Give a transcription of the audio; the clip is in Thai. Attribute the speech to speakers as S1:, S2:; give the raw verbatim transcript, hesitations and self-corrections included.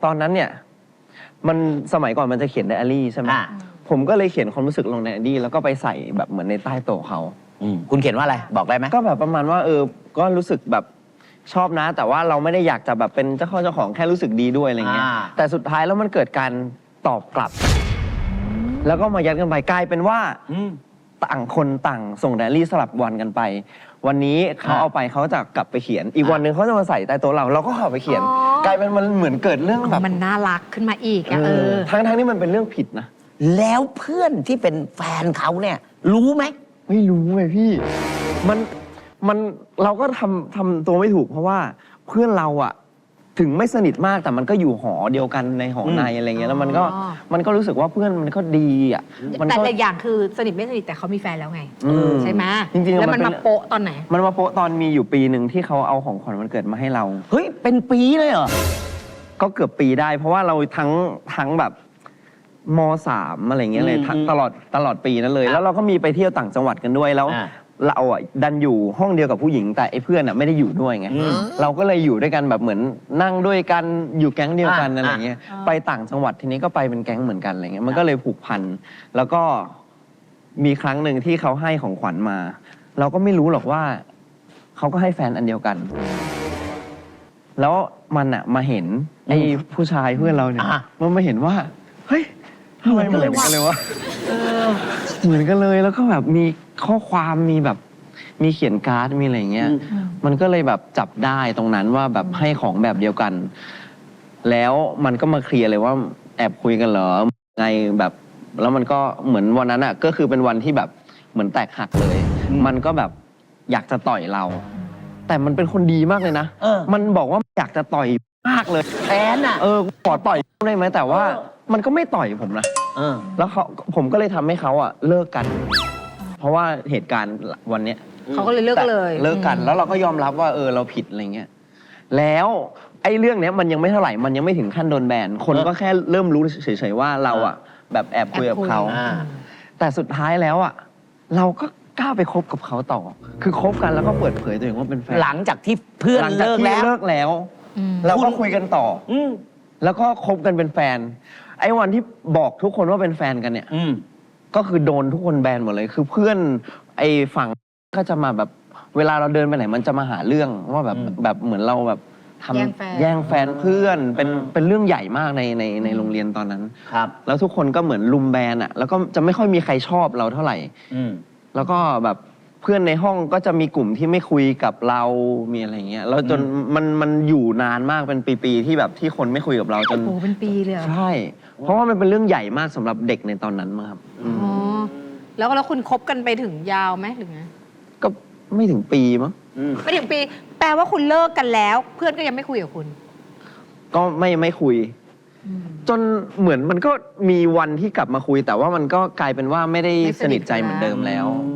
S1: ตอนนั้นเนี่ยมันสมัยก่อนมันจะเขียนไดอารี่ใช่ไหมผมก็เลยเขียนความรู้สึกลงในไดอารี่แล้วก็ไปใส่แบบเหมือนในใต้โต๊ะเขา
S2: คุณเขียนว่าอะไรบอกได้ไหม
S1: ก็แบบประมาณว่าเออก็รู้สึกแบบชอบนะ แต่ว่าเราไม่ได้อยากจะแบบเป็นเจ้าข้อเจ้าของแค่รู้สึกดีด้วยอะไรเงี้ยแต่สุดท้ายแล้วมันเกิดการตอบกลับแล้วก็มายัดกันไปกลายเป็นว่าต่างคนต่างส่งไดอารี่สลับวันกันไปวันนี้เขาเอาไปเขาจะกลับไปเขียนอีกวันหนึ่งเขาจะมาใส่ใต้โต๊ะเราเราก็เข้าไปเขียนกลายเป็นมันเหมือนเกิดเรื่องแบบ
S3: มันน่ารักขึ้นมาอีกอะเออ
S1: ทั้งทั้งที่มันเป็นเรื่องผิดนะ
S2: แล้วเพื่อนที่เป็นแฟนเขาเนี่ยรู้ไหม
S1: ไม่รู้ไงพี่มันมันเราก็ทำทำตัวไม่ถูกเพราะว่าเพื่อนเราอะถึงไม่สนิทมากแต่มันก็อยู่หอเดียวกันในหอในอะไรเงี้ยแล้วมันก็มันก็รู้สึกว่าเพื่อนมันก็ดีอ่ะ
S3: แต่ละอย่างคือสนิทไม่สนิทแต่เขามีแฟนแล้วไงใช่ไหม
S1: จริงๆ
S3: แล้วมันมาโปะตอนไหน
S1: มันมาโปะตอนมีอยู่ปีหนึ่งที่เขาเอาของขวัญวันเกิดมาให้เรา
S2: เฮ้ยเป็นปีเลยเหรอ
S1: ก็เกือบปีได้เพราะว่าเราทั้งทั้งแบบมสามอะไรเงี้ยเลยตลอดตลอดปีนั้นเลยแล้วเราก็มีไปเที่ยวต่างจังหวัดกันด้วยแล้วเราอ่ะดันอยู่ห้องเดียวกับผู้หญิงแต่ไอ้เพื่อนอ่ะไม่ได้อยู่ด้วยไงเราก็เลยอยู่ด้วยกันแบบเหมือนนั่งด้วยกันอยู่แก๊งเดียวกันอะไรเงี้ยไปต่างจังหวัดทีนี้ก็ไปเป็นแก๊งเหมือนกันอะไรเงี้ยมันก็เลยผูกพันแล้วก็มีครั้งหนึ่งที่เขาให้ของขวัญมาเราก็ไม่รู้หรอกว่าเขาก็ให้แฟนอันเดียวกันแล้วมันอ่ะมาเห็นไอ้ผู้ชายเพื่อนเราเนี่ยมันมาเห็นว่าเฮ้ยทำไมเหมือนกันเลยวะเหมือนกันเลยแล้วก็แบบมีข้อความมีแบบมีเขียนการ์ดมีอะไรเงี้ยมันก็เลยแบบจับได้ตรงนั้นว่าแบบให้ของแบบเดียวกันแล้วมันก็มาเคลียร์เลยว่าแอบคุยกันเหรอไงแบบแล้วมันก็เหมือนวันนั้นอ่ะก็คือเป็นวันที่แบบเหมือนแตกหักเลยมันก็แบบอยากจะต่อยเราแต่มันเป็นคนดีมากเลยนะมันบอกว่าอยากจะต่อยมากเลย
S2: แฟนอ่ะ
S1: เออขอต่อยได้ไหมแต่ว่ามันก็ไม่ต่อยผมนะแล้วเขาผมก็เลยทำให้เขาอ่ะเลิกกันเพราะว่าเหตุการณ์วันเนี้ย
S3: เขาก็เลยเลิกเลย
S1: เลิกกันแล้วเราก็ยอมรับว่าเออเราผิดอะไรเงี้ยแล้วไอ้เรื่องเนี้ยมันยังไม่เท่าไหร่มันยังไม่ถึงขั้นโดนแบนคนก็แค่เริ่มรู้เฉยๆว่าเราอ่ะแบบแอบคุยกับเขาแต่สุดท้ายแล้วอ่ะเราก็กล้าไปคบกับเขาต่อคือคบกันแล้วก็เปิดเผยตัวเองว่าเป็นแฟน
S2: หลังจากที่เพื่อนเลิกแล้ว
S1: เลิกแล้วเราก็คุยกันต่อแล้วก็คบกันเป็นแฟนไอ้วันที่บอกทุกคนว่าเป็นแฟนกันเนี่ยก็คือโดนทุกคนแบนหมดเลยคือเพื่อนไอ้ฝั่งก็จะมาแบบเวลาเราเดินไปไหนมันจะมาหาเรื่องว่าแบบแบบเหมือนเราแบบทำแย่งแฟนเพื่อนเป็นเป็นเรื่องใหญ่มากในในในโรงเรียนตอนนั้น
S2: ครับ
S1: แล้วทุกคนก็เหมือนลุมแบนอ่ะแล้วก็จะไม่ค่อยมีใครชอบเราเท่าไหร่แล้วก็แบบเพื่อนในห้องก็จะมีกลุ่มที่ไม่คุยกับเรามีอะไรเงี้ยแล้วจนมันมันอยู่นานมากเป็นปีๆที่แบบที่คนไม่คุยกับเราจน
S3: โอ้เป็นปีเลย
S1: ใช่เพราะว่ามันเป็นเรื่องใหญ่มากสำหรับเด็กในตอนนั้นมั้งครับ
S3: อ๋อแล้วแล้วคุณคบกันไปถึงยาวไหมหรือไง
S1: ก็ไม่ถึงปีมั้ง
S3: ไม่ถึงปีแปลว่าคุณเลิกกันแล้วเพื่อนก็ยังไม่คุยกับคุณ
S1: ก็ไม่ไม่คุยจนเหมือนมันก็มีวันที่กลับมาคุยแต่ว่ามันก็กลายเป็นว่าไม่ได้สนิทใจเหมือนเดิมแล้ว